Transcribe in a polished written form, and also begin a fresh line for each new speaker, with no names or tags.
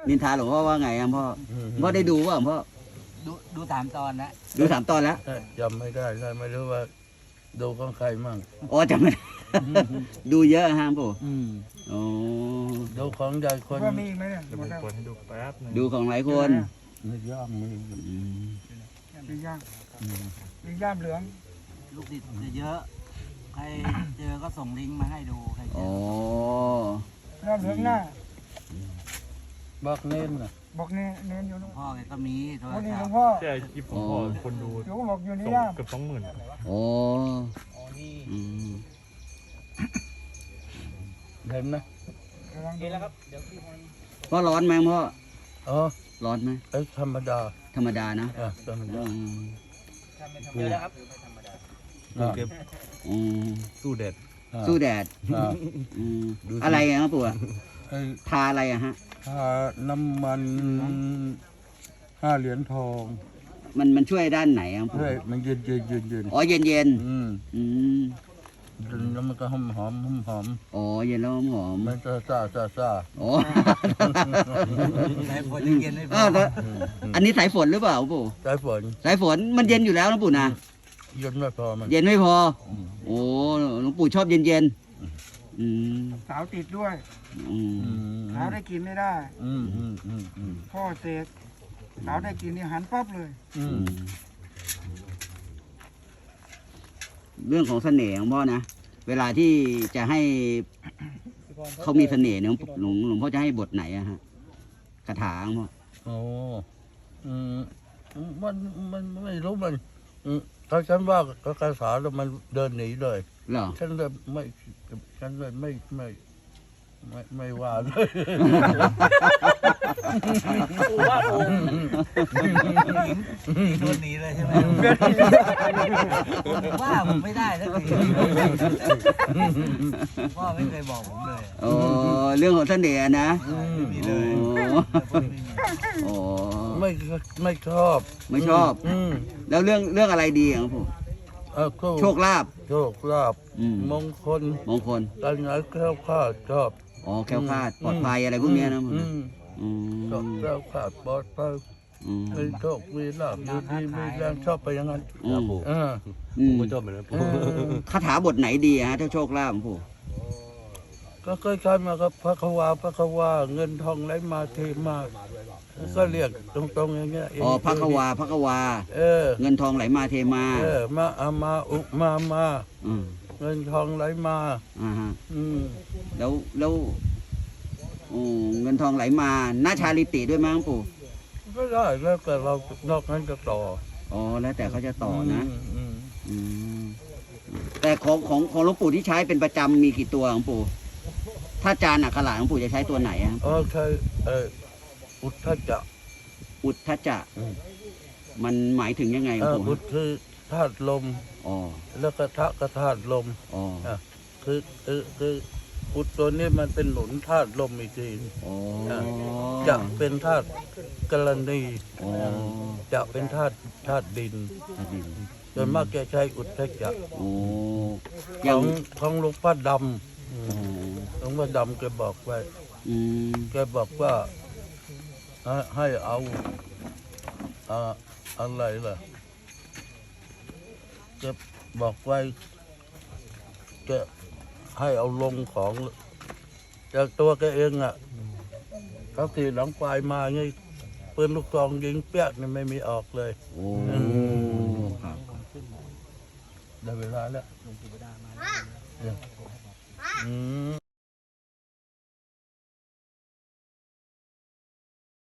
นินทาหลวงพ่อว่าไงครับพ่อพ่อได้ดูว่าพ่อ
ดู3 ตอนนะ
ดู3 ตอนแล้ว
จำไม่ได้ไม่รู้ว่าดูของใครมั่ง
อ๋อจำไม่ได้ดูเยอะฮะปู่อ๋อ
ดูของใหญ่คน
ว่ามีอีกไหมเนี่ย
เดี๋ยวผมกดให้ดูแป๊บนึง
ดูของหลายคน
ไม่ย่างมือ
มีย่างมีย่ามเหลือง
ลูกศิษย์จะเยอะใครเจอก็ส่งลิงก์มาให้ดูใครเจ
อ
ย่ามเหลืองหน้า
บอกเน้นนะ
บอกเน้นอยู่นู่น
พ่อแกก็มีโทรศัพท์
หลวงพ่อ
ใช่คลิปของพ่อคนดู
หลวงพ่อบอกอยู่ในย่าม
เกือบ20,000
โอ้
เห็นนะ
นี่แล้วครับเดี๋ยว
พ่อร้อนไหมพ่อร้อนไหม
ธรรมดา
ธรรมดานะ
ธรรมดา
เดี๋ยวนะครับ
เก็บสู้แดด
สู้แดดอะไรครับปู่ทาอะไรอะฮะ
ทาน้ำมัน5 เหรียญทอง
มันช่วยด้านไหนครับปู่
มันเย็น
อ๋อเย็น
แล้วมันก็หอม
อ๋อเย็นแล้วหอม
มันจะซ่า
อ๋อ
สายฝนเย็นไม่พอ
อันนี้สายฝนหรือเปล่าปู่
ส
ายฝนมันเย็นอยู่แล้วนะปู่นะ
เย็นไม่พอ
เย็นไม่พอโอ้หลวงปู่ชอบเย็น
สาวติดด้วยสาวได้กินไม่ได้พ่อเสกสาวได้กินนี่หันปั๊บเลย
เรื่องของเสน่ห์ของพ่อนะเวลาที่จะให้เขามีเสน่ห์เนี่ยหลวงพ่อจะให้บทไหนอะฮะคาถาของพ่อ
โอ้มันไม่รู้มันถ้าฉันว่าคาถาแล้วมันเดินหนีเลย
เหรอ
ฉันเลยไม่ว่าเลย
ว่าองค์โดนหนีเลยใช่ไหมว่าผมไม่ได้สักทีพ่อไม่เคยบอกผมเลย
โอ้เรื่องของเสน่ห์นะ
มีเลย
โอ้
ไม่ชอบ
แล้วเรื่องอะไรดีครับผมโชคลาภ
มงคลการงานแคล้วคลาดชอบ
อ๋อแคล้วคลาดปลอดภัยอะไรพวกนี้นะ
ชอบแคล้วคลาดปลอดภัยมีโชคมีลาภดีมีแรงชอบไปอย่างนั้น
ผมก็ชอบเหมือนกัน
คาถาบทไหนดีฮะถ้าโชคลาภของผม
ก็เคยใช้มาครับพระควาเงินทองไหลมาเทมาก็เรียกตรงๆอย่างเงี้ย
อ๋อพระควาเงินทองไหลมาเทมา
มาอุมาเงินทองไหลมา
แล้วเงินทองไหลมาหน้าชาลิติด้วยมั้งปู่
ก็ได้แล้วแต่เรานอกนั้นจะต่อ
อ๋อแล้วแต่เขาจะต่อนะแต่ของหลวงปู่ที่ใช้เป็นประจำมีกี่ตัวของปู่ถ้าจานอักขระของปู่จะใช้ตัวไหนครับ
ใช้อุทธัจ
จะมันหมายถึงยังไงครับปู่
อุทคือธาตุลมแล้วก็ทะก็ธาตุลมคืออุดตัวนี้มันเป็นหนุนธาตุลมอีกทีจะเป็นธาตุกรณีจะเป็นธาตุดินส่วนมากแกใช้อุทธัจจะของหลวงพ่อดำหลวงพ่อดำแกบอกไว้แกบอกว่าให้เอาอะไรล่ะแกบอกไว้แกให้เอาลงของจากตัวแกเองเขาตีหลังปลายมาไงปืนลูกซองยิงเปี้ยนี่ไม่มีออกเลยได้เวลาแล้ว